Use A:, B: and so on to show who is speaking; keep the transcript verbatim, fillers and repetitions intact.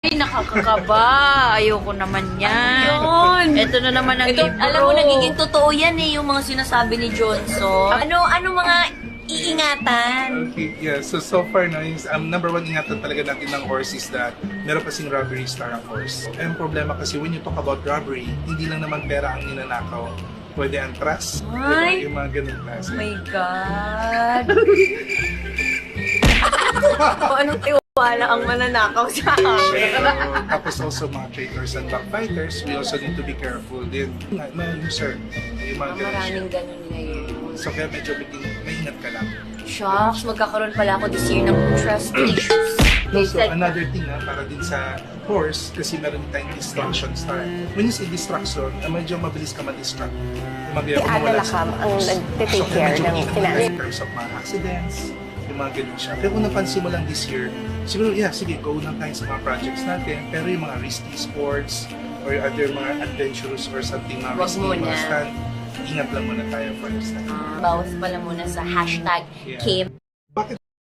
A: Ay, nakakakaba. Ayoko naman yan.
B: Yun.
A: Ito na naman ang
B: Ito,
A: libro.
B: alam mo, nagiging totoo yan eh, yung mga sinasabi ni Johnson. Ano, ano mga iingatan?
C: Okay, yeah. So, so far, no, yung um, number one ingatan talaga natin ng horse is that meron kasing robbery star ang horse. Ang problema kasi when you talk about robbery, hindi lang naman pera ang ninanakaw. Pwede ang trust.
B: Ay!
C: Diba? Yung mga ganun klase.
B: Oh my God. O, anong tiwala ang mananakaw sa akin?
C: So, tapos also mga traitors and backbiters, we also need to be careful din. Na, na user, yung mga ganun siya.
B: Maraming ganun ngayon.
C: So kaya medyo maging maingat ka lang.
B: Shucks, magkakaroon pala ako this year ng trust issues.
C: Also, another thing ha, para din sa horse, kasi meron tayong distraction star. When you say distraction, ah, medyo mabilis ka ma-distract. Yung mga
D: Si Ate Lakam ang nag-take care ng finance.
C: In terms of mga accidents, yung mga ganun siya. Pero kung napansin mo lang this year, siguro, yeah, sige, go lang tayo sa mga projects natin. Pero yung mga risky sports, or other mga adventurous or something mga
B: Wag
C: risky,
B: muna.
C: mga stand, ingat lang muna tayo for this time.
B: Bawas pala muna sa hashtag
C: Yeah.
B: Kim.
C: Bakit